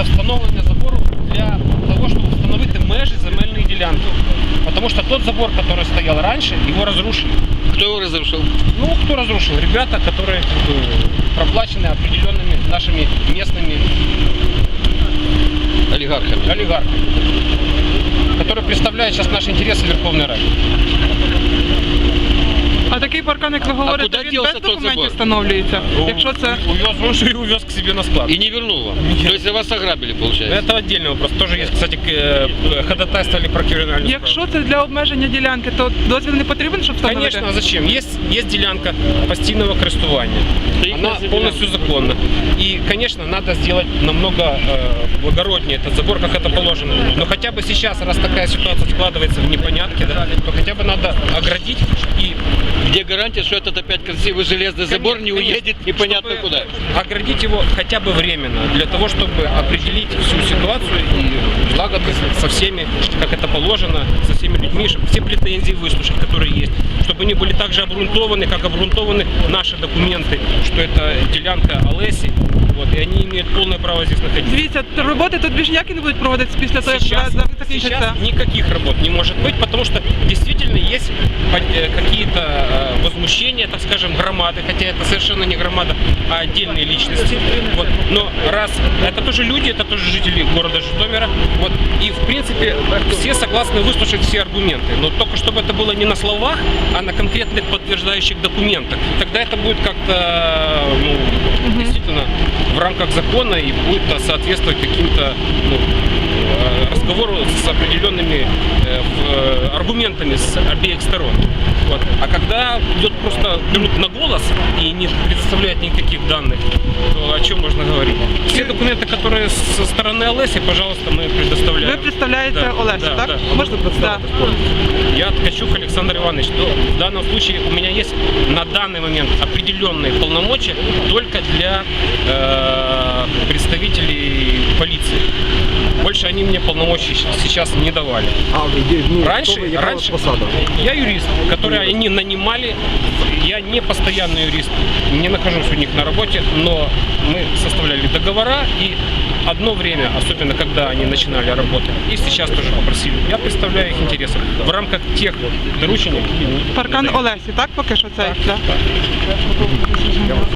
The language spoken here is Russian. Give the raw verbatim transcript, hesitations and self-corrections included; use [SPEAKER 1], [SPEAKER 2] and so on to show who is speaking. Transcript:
[SPEAKER 1] это встановлення забору для того, чтобы установить межи земельной делянки. Потому что тот забор, который стоял раньше, его разрушили.
[SPEAKER 2] Кто его разрушил?
[SPEAKER 1] Ну, кто разрушил? Ребята, которые как бы, проплачены определенными нашими местными
[SPEAKER 2] Олигархами.
[SPEAKER 1] олигархами, которые представляют сейчас наши интересы в Верховной Раде.
[SPEAKER 3] А такий паркан, як ви говорите,
[SPEAKER 2] куди
[SPEAKER 3] він
[SPEAKER 2] дівся
[SPEAKER 3] без
[SPEAKER 2] той
[SPEAKER 3] документів
[SPEAKER 2] забор?
[SPEAKER 3] встановлюється? Якщо це...
[SPEAKER 1] Увез, он же и увез к себе на склад.
[SPEAKER 2] И не вернул вам? То есть вас ограбили, получается?
[SPEAKER 1] Это отдельный вопрос. Тоже есть, кстати, к- ходатайство или про криминальную
[SPEAKER 3] Якщо це для обмеження ділянки, то дозвіл не потрібен, щоб встановити?
[SPEAKER 1] Конечно, а зачем? Есть, есть делянка постійного користування. Она полностью законна. И, конечно, надо сделать намного э, благороднее этот забор, как это положено. Но хотя бы сейчас, раз такая ситуация складывается в непонятке, да, то хотя бы надо оградить и...
[SPEAKER 2] Где гарантия, что этот опять красивый железный забор не
[SPEAKER 1] Конечно,
[SPEAKER 2] уедет непонятно
[SPEAKER 1] чтобы
[SPEAKER 2] куда?
[SPEAKER 1] Оградить его хотя бы временно, для того, чтобы определить всю ситуацию и благо со всеми, как это положено, со всеми людьми, чтобы все претензии выслушать, которые есть, чтобы они были так же обґрунтованы, как обґрунтованы наши документы, что это делянка Олесі, вот, и они имеют полное право здесь находиться.
[SPEAKER 3] Дивіться, роботи тут більш ніякі не будуть проводитися після того, як
[SPEAKER 1] Сейчас,
[SPEAKER 3] завтра
[SPEAKER 1] сейчас
[SPEAKER 3] закінчиться.
[SPEAKER 1] никаких работ не может быть, потому что действительно есть э, какие-то э, возмущения, так скажем, громады, хотя это совершенно не громада, а отдельные личности. Вот. Но раз это тоже люди, это тоже жители города Житомира, вот. И в принципе все согласны выслушать все аргументы, но только чтобы это было не на словах, а на конкретных подтверждающих документах. Тогда это будет как-то ну, действительно в рамках закона и будет соответствовать каким-то ну, разговору с определенными э, аргументами с обеих сторон. Вот. А когда идет просто берут на голос и не предоставляют никаких данных, то о чем можно говорить? Все документы, которые со стороны Олесі, пожалуйста, мы предоставляем.
[SPEAKER 3] Ви представляєте
[SPEAKER 1] Да,
[SPEAKER 3] Олесю,
[SPEAKER 1] да,
[SPEAKER 3] так?
[SPEAKER 1] да.
[SPEAKER 3] Можна представити?
[SPEAKER 1] Я Ткачук Александр Иванович. То в данном случае у меня есть на данный момент определенные полномочия только для э, представителей полиции. Больше они мне полномочий сейчас не давали.
[SPEAKER 4] А, де, ну,
[SPEAKER 1] Раньше,
[SPEAKER 4] хто ви, яка у вас
[SPEAKER 1] раньше
[SPEAKER 4] посада?
[SPEAKER 1] я юрист, который они нанимали. Я не постоянный юрист, не нахожусь у них на работе, но мы составляли договора и одно время, особенно когда они начинали работать, и сейчас тоже попросили, я представляю их интересы в рамках тех доручений, какие они
[SPEAKER 3] Паркан
[SPEAKER 1] мне дают.
[SPEAKER 3] Олесі, так? Поки що цей?
[SPEAKER 1] Так,
[SPEAKER 3] Да.
[SPEAKER 1] так.